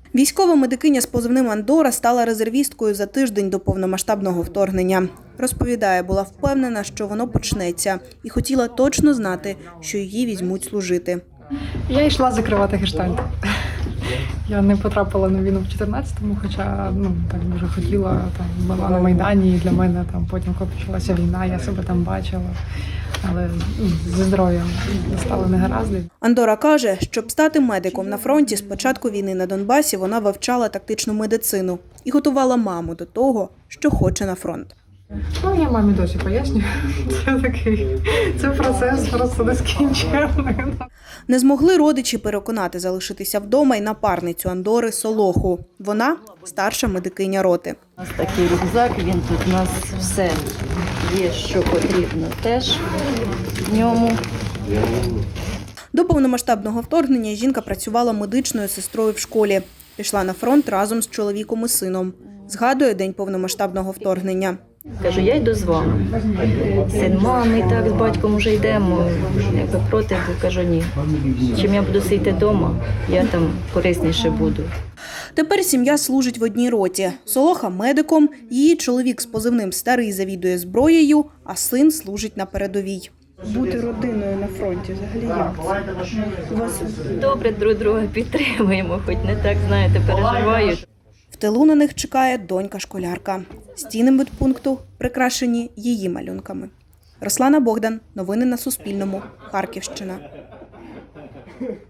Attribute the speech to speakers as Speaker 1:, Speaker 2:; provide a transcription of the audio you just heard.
Speaker 1: Військова медикиня з позивним «Андора» стала резервісткою за тиждень до повномасштабного вторгнення. Розповідає, була впевнена, що воно почнеться, і хотіла точно знати, що її візьмуть служити.
Speaker 2: Я йшла закривати гештальт. Я не потрапила на війну в 14-му, хоча так дуже хотіла, була на Майдані, і для мене потім, коли почалася війна, я себе там бачила. Але зі здоров'ям стали негаразди.
Speaker 1: Андора каже, щоб стати медиком на фронті, з початку війни на Донбасі вона вивчала тактичну медицину і готувала маму до того, що хоче на фронт.
Speaker 2: Я мамі досі пояснюю. Це процес просто нескінченний.
Speaker 1: Не змогли родичі переконати залишитися вдома й напарницю Андори Солоху. Вона – старша медикиня роти.
Speaker 3: У нас такий рюкзак, він тут у нас все є, що потрібно теж в ньому.
Speaker 1: До повномасштабного вторгнення жінка працювала медичною сестрою в школі. Пішла на фронт разом з чоловіком і сином. Згадує день повномасштабного вторгнення.
Speaker 3: Кажу, я йду з вами. Син, мами, так, з батьком вже йдемо. Якби проти, бо кажу, ні. Чим я буду сидіти вдома, я там корисніше буду.
Speaker 1: Тепер сім'я служить в одній роті. Солоха – медиком, її чоловік з позивним «Старий» завідує зброєю, а син служить на передовій. Бути родиною на фронті взагалі як?
Speaker 3: Добре друг друга підтримуємо, хоч не так, знаєте, переживають.
Speaker 1: В тилу на них чекає донька-школярка. Стіни медпункту прикрашені її малюнками. Руслана Богдан. Новини на Суспільному. Харківщина.